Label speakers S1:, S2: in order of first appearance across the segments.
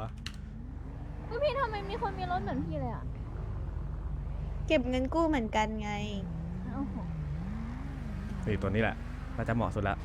S1: พี่ทำไมมีคนมีรถเหมือนพี่เลยอ่ะ
S2: เก็บเงินกู้เหมือนกันไง
S1: โอ้โห
S3: ตัวนี้แหละน่าจะเหมาะสุดละ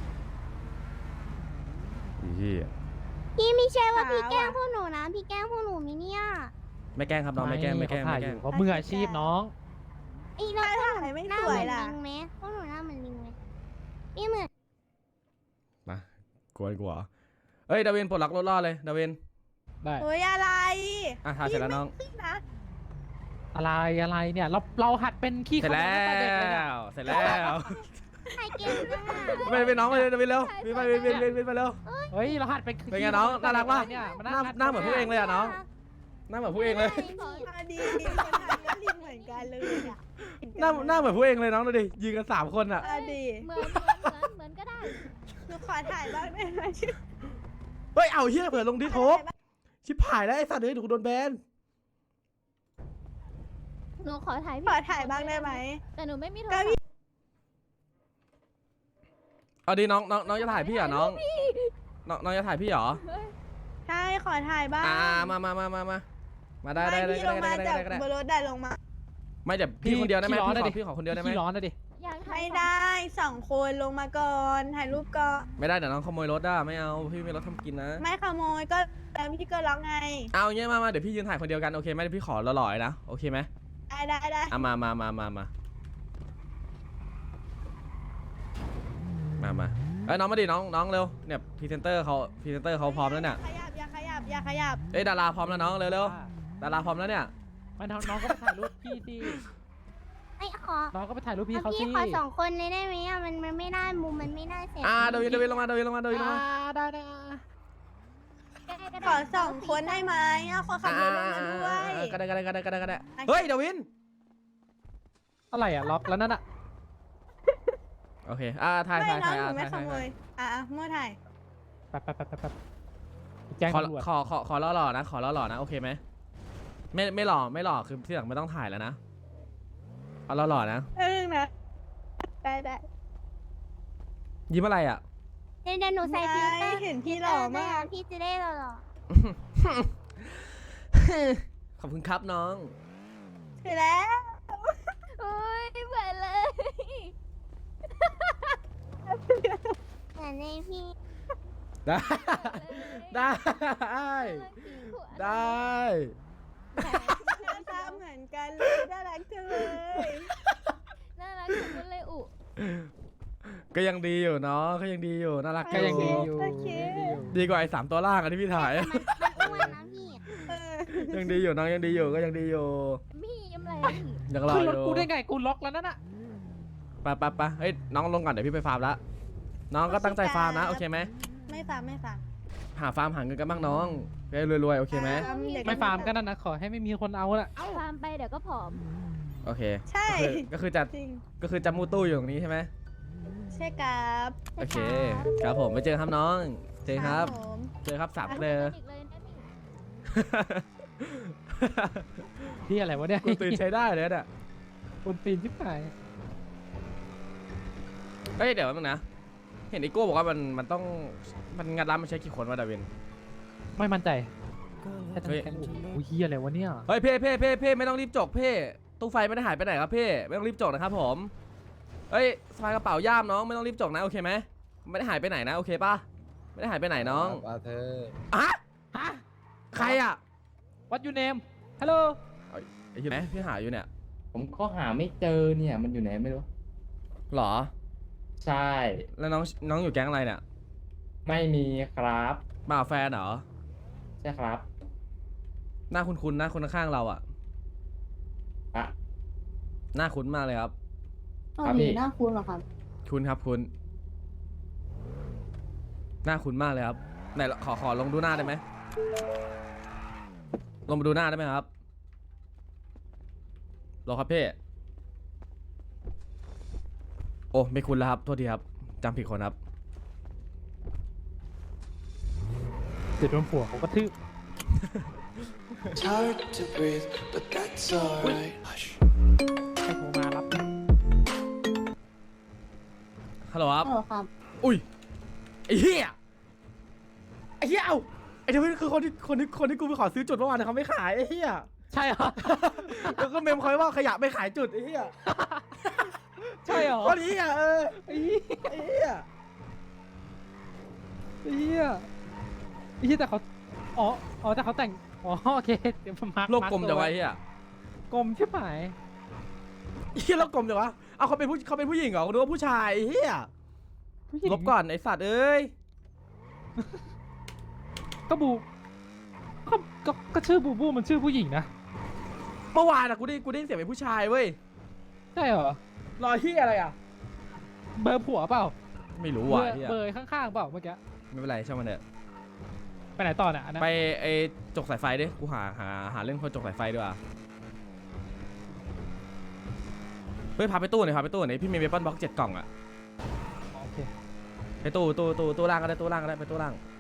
S3: พี่
S4: พี่ไม่ใช่ว่า
S2: ขาว
S4: พี่แกล้ง
S2: อะ
S4: พวกหนูนะ พี่แกล้งพวกหนูมิเนี่ย
S3: ไม่แกล้งครับน้องไม่แกล้งไม่แกล้ง
S5: เขาถ่า
S3: ไม่
S5: ย
S3: แก
S5: อ
S3: ล้ง
S5: ยู่เขามืออาชีพน้อง
S4: ไอ้เรา
S2: ถ้าถ่ายไม่
S4: หน้า
S2: ส
S4: เห
S2: ว
S4: มื
S2: ย
S4: อน
S2: ล่ะ
S4: ลิงไหมพวกหนูหน้าเหมือนลิงไหมพี่เหมือน
S3: มากลัวเอ้ยดาวินปลดล็อกรถล่อเลยดาวิน
S5: ได้
S2: โอ้ยอะไร
S3: อ่ะถ่ายเสร็จแล้วน้อง
S2: พี่ไม่ขึ้นนะ
S5: อะไรเนี่ยเราหัดเป็นขี้
S3: เสร็จ
S5: ขโม
S3: แล้
S5: ยตั้งแต่เด็กเลยเนี่ยว
S3: เสร็จแล้ว
S4: ใครเก่งมาก
S3: ไปน้องไปเลยดาวินเร็ววินไปวินไปเร็ว
S5: เฮ้ยเราหัดเป็นขี้
S3: เป็นไงน้องน่ารักปะ
S5: เนี่ยมัน
S3: หน้าเหมือนพวกเองเลยอะน้องหน้าเหมือนพวกเองเลย
S2: ดีคนไทยก็ลิงเหมือนกันเลยอ่ะ
S3: หน้าเหมือนพวกเองเลยน้องดูดิยืนกัน3 คนอ่ะ
S2: ดี
S1: เหมือนก็ได้
S2: หนูขอถ่ายบ้างได้ไหม
S3: เฮ้ยเอาเฮียเผื่อลงดิโทบชิบหายแล้วไอ้สัตว์เฮ้ยถูกโดนแบน
S1: หนูขอถ่าย
S2: ขอถ่ายบ้างได้ไหม
S1: แต่หนูไม่มีโทร
S2: ก็
S1: ศัพ
S2: พี่
S1: ท์
S3: เอาดิน้องจะถ่ายพี่เหรอน้องน้องจะถ่ายพี่เหรอ
S2: ใช่ขอถ่ายบ้าง
S3: มาได้ได้
S2: ไม่พี่ลงมาจาก
S3: ได้
S2: บนรถได้ลงมา
S3: ไม่แต่พี่คนเดียวได้ไหมพี่ขอคนเดียวได้ไหม
S5: ขี้ร้อนนะดิ
S1: อยากถ่าย
S2: ไม่ได้2 คนลงมาก่อนถ่ายรูปก่อน
S3: ไม่ได้เดี๋ยวน้องขโมยรถได้ไม่เอาพี่มีรถทำกินนะ
S2: ไม่ขโมยก็แล้วพี่ก็ล็อกไง
S3: เอาเงี้ยมาเดี๋ยวพี่ยืนถ่ายคนเดียวกันโอเคไหมเดี๋ยวพี่ขอหล่อๆนะโอเคไหม
S2: ได้
S3: อ่ะมาเอ้ยน้องมาดิน้องเร็วเนี่ยพรีเซนเตอร์เขาพร้อมแล้วเนี่ย
S2: อย่าขยับ
S3: เอ้ยดาราพร้อมแล้วน้องเร็วดาราพร้อมแล้วเนี่ย
S5: ไม่น้องก็ไปถ่ายรูปพี่สิ
S4: ไอ้ขอ
S5: น้องก็ไปถ่ายรูปพี่เขาสิ
S4: พี่ขอ2 คนเลยได้ไหมอ่ะมันไม่ได้มุมมันไม่ได้เสร็จ
S3: เดวินลงมา
S5: ได้
S2: ขอ2 คนได้ไหมขอขับรถลงมาด้วย
S3: ก็ได้เฮ้ยเดวิน
S5: อะไรอ่ะล็อกแล้วนั่นอ่ะ
S3: โอเคถ่าย
S2: ไม่น้องหนู
S3: ถ่า
S2: ไม่ขโม
S3: ย
S2: ยมั่วถ่าย
S5: แป๊บแจ้งตำรวจ
S3: ขอหล่อๆนะโอเคไหมไม่หล่อคือที่หลังไม่ต้องถ่ายแล้วนะเอาหล่อๆนะ
S2: นะได้
S3: ยิ้มอะไรอ่ะ
S4: เดี๋ยวหนูใส่ฟิลเตอร์
S2: เห็นพี่หล่อมาก
S4: พี่จะได้หล่อ
S3: ขอบคุณครับน้อง
S2: เสร็จแล้ว
S1: โอ้ยเหมือนเลย
S4: เหมือนในพี่
S3: ได้ได้ ได้
S2: หน้าตาเหมือนกันเลยน่ารักจังเลย
S1: น่ารักจังเลยอุ
S3: ก็ยังดีอยู่เนาะก็ยังดีอยู่น่ารัก
S5: ก็ยังดีอยู่
S2: โอเค
S3: ดีกว่าไอ้3 ตัวล่างอะที่พี่ถ่าย
S4: มันอ้วนนะพี่
S3: ยังดีอยู่น้องยังดีอยู่ก็ยังดีอยู่
S1: พี่ยิ้มอะไรอะพี่
S3: ยังรอ
S5: ขึ้น
S3: อ
S5: รถ
S3: ยู่
S5: กูได้ไงกูล็อกแล้วนั่นอ่ะ
S3: ไปเฮ้ยน้องลงก่อนเดี๋ยวพี่ไปฟาร์มละน้องก็ตั้งใจฟาร์มนะโอเคไหม
S2: ไม่ฟัง
S3: หาฟาร์มหาเงินกันบ้างน้องไปรวยๆโอเคไหม
S5: ไม่ฟาร์มก็นั่นนะขอให้ไม่มีคนเอาน่ะ
S1: ฟาร์มไปเดี๋ยวก็ผอม
S3: โอเค
S2: ใช่
S3: ก็คือจะ
S2: จริง
S3: จะมูตู้อยู่ตรงนี้ใช่ไหม
S2: ใช่ครับ
S3: โอเคครับผมไปเจอครับน้องเจอครับ
S2: ผม
S3: เจอครับ3 เกลอ
S1: อีกเลยนะพี่
S5: ที่อะไรวะเนี่ย
S3: กูตื่นใช้ได้เลยเนี่ย
S5: คุณตีนชิบหาย
S3: เฮ้ยเดี๋ยวแป๊บนึงนะเห็นไอโก้บอกว่ามันต้องมันงัดร้านมันใช้กี่คนวะดาวิน
S5: ไม่มั่นใจแค่ทั้งแก๊งโอ้โหเฮียอะไรวะเนี่ย
S3: เฮ้ยเพ่ไม่ต้องรีบจกเพ่ตู้ไฟไม่ได้หายไปไหนครับเพ่ไม่ต้องรีบจกนะครับผมเฮ้ยสะพายกระเป๋าย่ามน้องไม่ต้องรีบจกนะโอเคไหมไม่ได้หายไปไหนนะโอเคป่ะไม่ได้หายไปไหนน้อง
S6: ว่าเธอ
S3: อะ
S5: ฮะ
S3: ใครอะ
S5: What your name Hello
S3: ไอ้เหี้ยไหมพี่หาอยู่เนี่ย
S6: ผมก็หาไม่เจอเนี่ยมันอยู่ไหนไม่รู้
S3: หรอ
S6: ใช่
S3: แล้วน้องอยู่แก๊งอะไรเนี่ย
S6: ไม่มีครับ
S3: มากับแฟนเหรอ
S6: ใช่ครับ
S3: หน้าคุ้นๆนะคนข้างๆเราอะ
S6: อะ
S3: หน้าคุ้นมากเลยครับ
S6: ครับพี่
S4: หน้าคุ้นเหรอครับ
S3: คุ้นครับคุ้นหน้าคุ้นมากเลยครับไหนขอลงดูหน้าได้ไหมลงมาดูหน้าได้ไหมครับรอครับเพ่โอ้ไม่คุ้นแล้วครับโทษทีครับจำผิดคนครับ
S5: เดี๋ยวโดนผัวเขาก็ทืบ
S7: It's hard to breathe, but that's alright. Hush.
S5: ให้โทรมารับ
S3: ฮัลโหลครับ
S4: ครับ
S3: อุ้ยไอ้เหี้ยเอาไอ้ทวิตคือคนที่กูไปขอซื้อจุดเมื่อวานแต่เขาไม่ขายไอ้เหี้ย
S5: ใช่เหรอ
S3: แล้วก็เมมคอยว่าขยะไม่ขายจุดไอ้เหี้ย
S5: ใช่เหรอ
S3: คนนี้อ่ะ
S5: ไอ้เหี้ย
S3: ไอ้เหี้ย
S5: ไอ้เหี้ยแต่เขาอ๋อแต่เขาแต่งอ๋อโอเคเดี๋ยวผมมาร์ค
S3: โลกกลมจังวะไอ้เหี้ย
S5: กลมใช่ไหม
S3: ไอ้เหี้ยโลกกลมจังวะเอาเขาเป็นผู้หญิงเหรอกูนึกว่าผู้ชายไอ้เหี้ย
S5: ผู้หญิง
S3: ลบก่อนไอ้สัตว์เอ้ย
S5: ก็บูก็ชื่อบูบูมันชื่อผู้หญิงนะ
S3: เมื่อวานอะกูได้ยินเสียงเป็นผู้ชายเว้ย
S5: ใช่เหรอ
S3: รอยที่อะไรอ่ะ
S5: เบอร์ผัวเปล่า
S3: ไม่รู้
S5: เบ
S3: ว่ะ
S5: อร์
S3: ไอ้เหี้ย
S5: เบอร์ข้างๆเปล่าเมื่อกี้
S3: ไม่เป็นไรช่างมันเถอะ
S5: ไปไหนต่อเนี่ยอันนั้น
S3: ไปไอ้จกสายไฟดิกูหาเรื่องคนจกสายไฟดีกว่าเฮ้ยพาไปตู้หน่อยพี่มีเวปอนบ็อก7 กล่องอะ
S5: โอเค
S3: ไปตู้ล่างก็ได้ไปตู้ล่าง